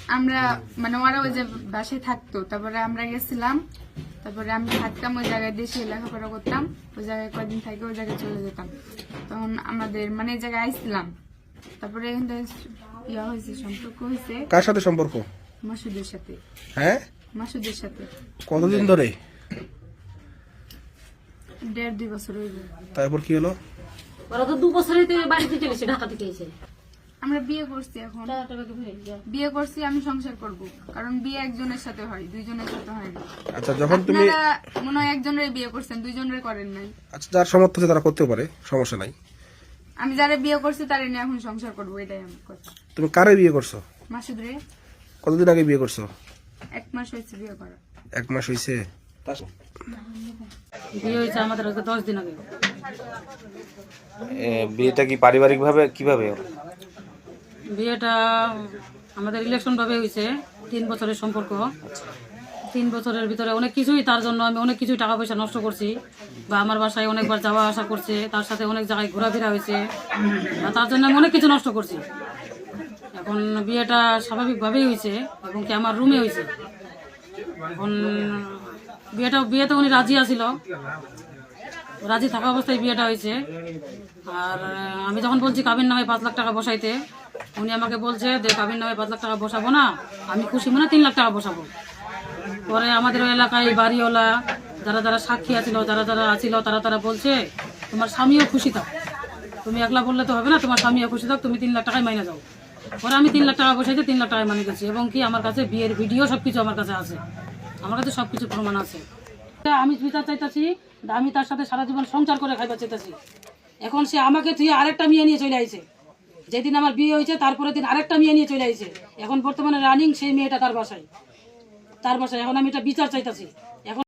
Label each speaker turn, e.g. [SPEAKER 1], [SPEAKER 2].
[SPEAKER 1] আমরা মানে ওরা ওই যে বাসায় থাকতো, তারপরে আমরা গেছিলাম, তারপরে আমি থাকতাম ওই জায়গায়, দেশে লেখাপড়া করতাম, ওই জায়গায় কয়েকদিন থেকে ওই জায়গায় চলে যেতাম। তখন আমাদের মানে এই জায়গায় আইছিলাম, তারপরে এখান থেকে ইয়া হয়েছে, সম্পর্ক হয়েছে।
[SPEAKER 2] কার সাথে সম্পর্ক?
[SPEAKER 1] মাসুদের সাথে।
[SPEAKER 2] হ্যাঁ,
[SPEAKER 1] মাসুদের সাথে।
[SPEAKER 2] কতদিন ধরে?
[SPEAKER 1] 1.5-2 বছর হইল।
[SPEAKER 2] তারপর কি হলো?
[SPEAKER 3] ওরা তো 2 বছরই তো বাড়িতে চলেছে, ঢাকা থেকে এসে।
[SPEAKER 1] আমরা বিয়ে করছি, এখন বিয়ে করছি, আমি সংসার করব, কারণ বিয়ে একজনের সাথে হয়, দুইজনের সাথে হয় না।
[SPEAKER 2] আচ্ছা, যখন তুমি
[SPEAKER 1] আপনারা মনে হয় একজনের বিয়ে করছেন, দুইজনের করেন নাই।
[SPEAKER 2] আচ্ছা, যার সমর্থ আছে তারা করতে পারে, সমস্যা নাই।
[SPEAKER 1] আমি যারা বিয়ে করছি তারা নিয়ে এখন সংসার করবো, এটাই আমার কথা।
[SPEAKER 2] তুমি কারে বিয়ে করছো?
[SPEAKER 1] মাসুদ রে।
[SPEAKER 2] কতদিন আগে বিয়ে করছো?
[SPEAKER 1] 1 মাস হয়েছে বিয়ে করা।
[SPEAKER 2] 1 মাস হয়েছে।
[SPEAKER 3] বিয়ে হয়েছে আমাদের আজকে 10 দিন আগে।
[SPEAKER 4] বিয়েটা কি পারিবারিক ভাবে কিভাবে?
[SPEAKER 3] বিয়েটা আমাদের ইলেকশন ভাবে হয়েছে, 3 বছরের সম্পর্ক। 3 বছরের ভিতরে অনেক কিছুই, তার জন্য আমি অনেক কিছুই টাকা পয়সা নষ্ট করছি, বা আমার বাসায় অনেকবার যাওয়া আসা করছে, তার সাথে অনেক জায়গায় ঘোরাফেরা হয়েছে, তার জন্য আমি অনেক কিছু নষ্ট করছি। এখন বিয়েটা স্বাভাবিকভাবেই হয়েছে, এবং কি আমার রুমে হয়েছে। এখন বিয়েতে উনি রাজি আছিল, রাজি থাকা অবস্থায় বিয়েটা হয়েছে। আর আমি যখন বলছি কাবির নামে 5 লাখ টাকা বসাইতে, উনি আমাকে বলছে যে কাবির নামে 5 লাখ টাকা বসাবো না, আমি খুশি মনে 3 লাখ টাকা বসাবো। পরে আমাদের ওই এলাকায় বাড়িওয়ালা যারা যারা সাক্ষী আছিল, যারা যারা আছিল, তারা বলছে তোমার স্বামীও খুশি থাক, তুমি একলা বললে তো হবে না, তোমার স্বামীও খুশি থাক, তুমি 3 লাখ টাকায় মাইনে যাও। পরে আমি 3 লাখ টাকা বসাইতে 3 লাখ টাকায় মানে গেছি, এবং কি আমার কাছে বিয়ের ভিডিও সবকিছু আমার কাছে আছে, আমার কাছে সবকিছু প্রমাণ আছে। আমি বিচার চাইতেছি, আমি তার সাথে সারা জীবন সংসার করে খাইবার চাইতেছি। এখন সে আমাকে তুই আরেকটা মেয়ে নিয়ে চলে আইছে, যেদিন আমার বিয়ে হয়েছে তারপরের দিন আরেকটা মেয়ে নিয়ে চলে আইছে। এখন বর্তমানে রানিং সেই মেয়েটা তার বাসায়। এখন আমি এটা বিচার চাইতেছি। এখন